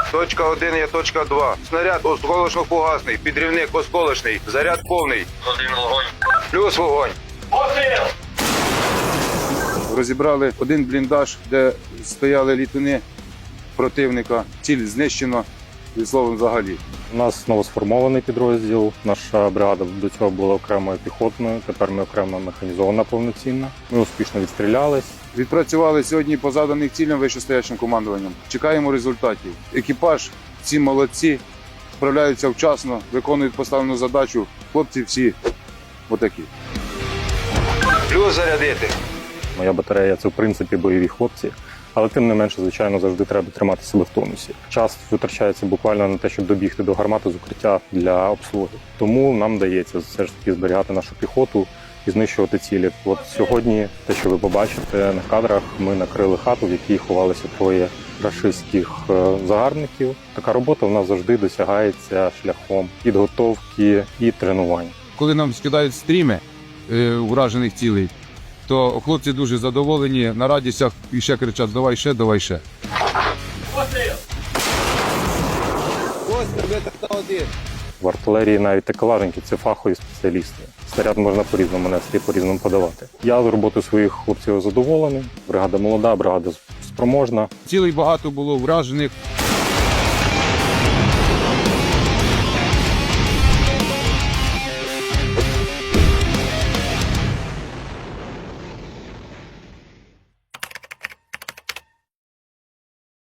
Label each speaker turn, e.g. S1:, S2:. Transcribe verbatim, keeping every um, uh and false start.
S1: Точка один є точка два. Снаряд осколочно-фугасний, підрівник осколочний, заряд повний.
S2: Один вогонь.
S1: Плюс вогонь.
S2: Постріл!
S1: Розібрали один бліндаж, де стояли літуни противника. Ціль знищено, і словом взагалі.
S3: У нас новосформований підрозділ. Наша бригада до цього була окремою піхотною, тепер ми окремо механізована повноцінна. Ми успішно відстрілялись.
S1: Відпрацювали сьогодні по заданих цілям вищестоячим командуванням. Чекаємо результатів. Екіпаж, всі молодці, справляються вчасно, виконують поставлену задачу. Хлопці всі отакі. Плюс зарядити.
S3: Моя батарея – це в принципі бойові хлопці, але тим не менше, звичайно, завжди треба тримати себе в тонусі. Час витрачається буквально на те, щоб добігти до гармати з укриття для обслуги. Тому нам вдається все ж таки зберігати нашу піхоту і знищувати цілі. От сьогодні, те, що ви побачите на кадрах, ми накрили хату, в якій ховалися троє рашистських загарбників. Така робота в нас завжди досягається шляхом підготовки і тренувань.
S1: Коли нам скидають стріми е, уражених цілей, то хлопці дуже задоволені, на радістях і ще кричать: давай ще, давай ще.
S2: Постріл!
S3: В артилерії навіть такелажники – це фахові спеціалісти. Снаряд можна по-різному нести, по-різному подавати. Я з роботи своїх хлопців задоволений. Бригада молода, бригада спроможна.
S1: Цілей багато було вражених.